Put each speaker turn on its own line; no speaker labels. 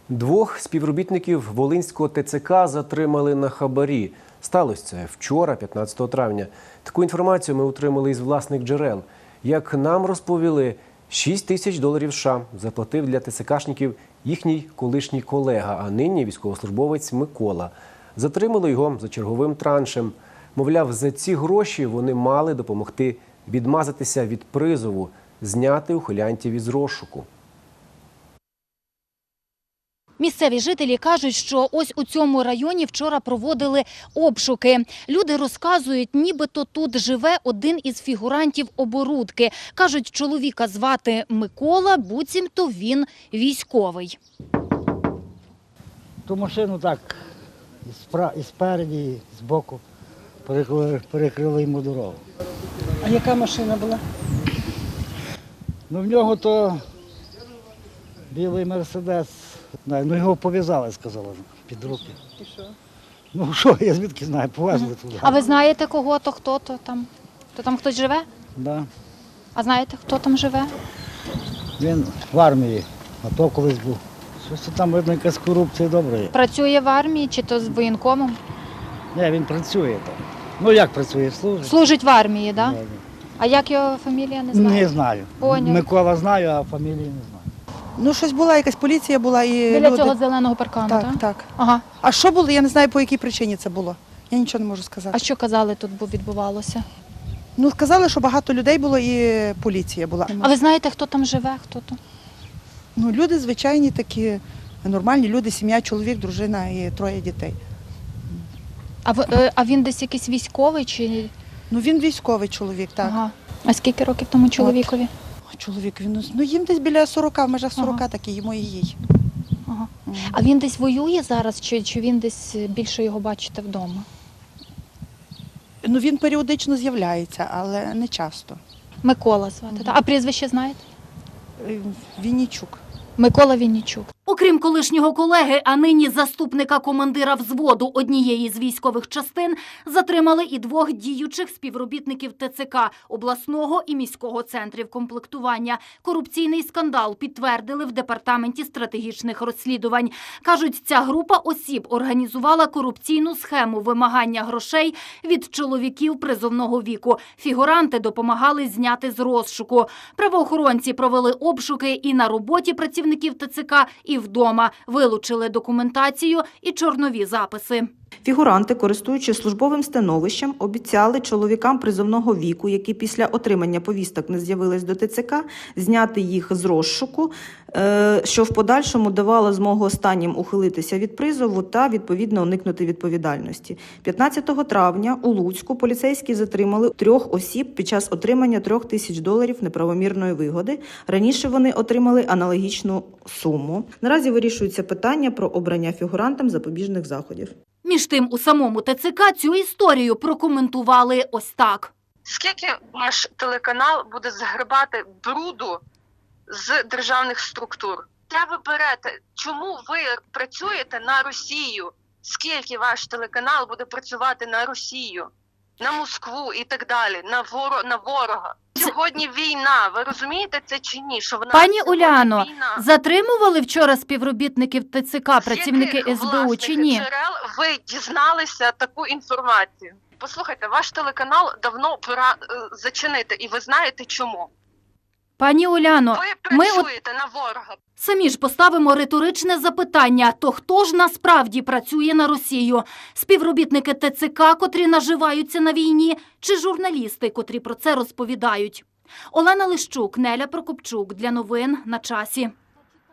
Двох співробітників Волинського ТЦК затримали на хабарі. Сталося це вчора, 15 травня. Таку інформацію ми отримали із власних джерел. Як нам розповіли, $6000 США заплатив для ТЦКшників їхній колишній колега, а нині військовослужбовець Микола. Затримали його за черговим траншем. Мовляв, за ці гроші вони мали допомогти відмазатися від призову, зняти ухилянтів із розшуку.
Місцеві жителі кажуть, що ось у цьому районі вчора проводили обшуки. Люди розказують, нібито тут живе один із фігурантів оборудки. Кажуть, чоловіка звати Микола, буцімто він військовий.
Ту машину так, і спереді, і збоку перекрили йому дорогу.
А яка машина була?
Ну, в нього то білий Мерседес. Ну, його пов'язали, сказали, під руки.
І що?
Ну, що, я звідки знаю, повезли туди.
А ви знаєте кого-то, хто-то там? То там хтось живе?
Да.
А знаєте, хто там живе?
Він в армії, а то колись був. Щось там, видно, якась корупція добра є.
Працює в армії чи то з воєнкомом?
Ні, він працює там. Ну, як працює, служить.
Служить в армії, так?
Да,
Да? А як його фамілія, не
да.
знаю?
Не знаю.
Поняв.
Микола знаю, а фамілії не знаю.
Ну, щось була, якась поліція була і
Біля
люди...
цього зеленого паркану, так?
Так, так.
Ага.
А що було, я не знаю, по якій причині це було. Я нічого не можу сказати.
А що казали тут відбувалося?
Ну, сказали, що багато людей було і поліція була.
А ви знаєте, хто там живе, хто то?
Ну, люди звичайні такі, нормальні люди, сім'я, чоловік, дружина і 3 дітей.
А він десь якийсь військовий чи?
Ну, він військовий чоловік, так.
Ага. А скільки років тому чоловікові?
Чоловік, він, ну, їм десь біля 40, в межах 40
Ага.
такі, йому і їй.
Ага. А він десь воює зараз, чи він десь більше його бачите вдома?
Ну, він періодично з'являється, але не часто.
Микола звати, так? А прізвище знаєте?
Віннічук.
Микола Віннічук.
Окрім колишнього колеги, а нині заступника командира взводу однієї з військових частин, затримали і 2 діючих співробітників ТЦК обласного і міського центрів комплектування. Корупційний скандал підтвердили в Департаменті стратегічних розслідувань. Кажуть, ця група осіб організувала корупційну схему вимагання грошей від чоловіків призовного віку. Фігуранти допомагали зняти з розшуку. Правоохоронці провели обшуки і на роботі працівників ТЦК, і вдома. Вилучили документацію і чорнові записи.
Фігуранти, користуючись службовим становищем, обіцяли чоловікам призовного віку, які після отримання повісток не з'явились до ТЦК, зняти їх з розшуку, що в подальшому давало змогу останнім ухилитися від призову та, відповідно, уникнути відповідальності. 15 травня у Луцьку поліцейські затримали 3 осіб під час отримання $3000 неправомірної вигоди. Раніше вони отримали аналогічну суму. Наразі вирішується питання про обрання фігурантам запобіжних заходів.
Між тим, у самому ТЦК цю історію прокоментували ось так.
Скільки ваш телеканал буде згребати бруду з державних структур? Де ви берете? Чому ви працюєте на Росію? Скільки ваш телеканал буде працювати на Росію, на Москву і так далі, на ворога? Сьогодні війна, ви розумієте це чи ні? Що вона
Пані
сьогодні
Уляно,
війна?
затримували вчора співробітників ТЦК, працівники
З яких
СБУ чи ні?
джерел ви дізналися таку інформацію? Послухайте, ваш телеканал давно пора зачинити, і ви знаєте чому.
Пані Уляно,
Ви
ми
працюєте на ворога.
самі ж поставимо риторичне запитання, то хто ж насправді працює на Росію? Співробітники ТЦК, котрі наживаються на війні, чи журналісти, котрі про це розповідають? Олена Лищук, Неля Прокопчук. Для новин на часі.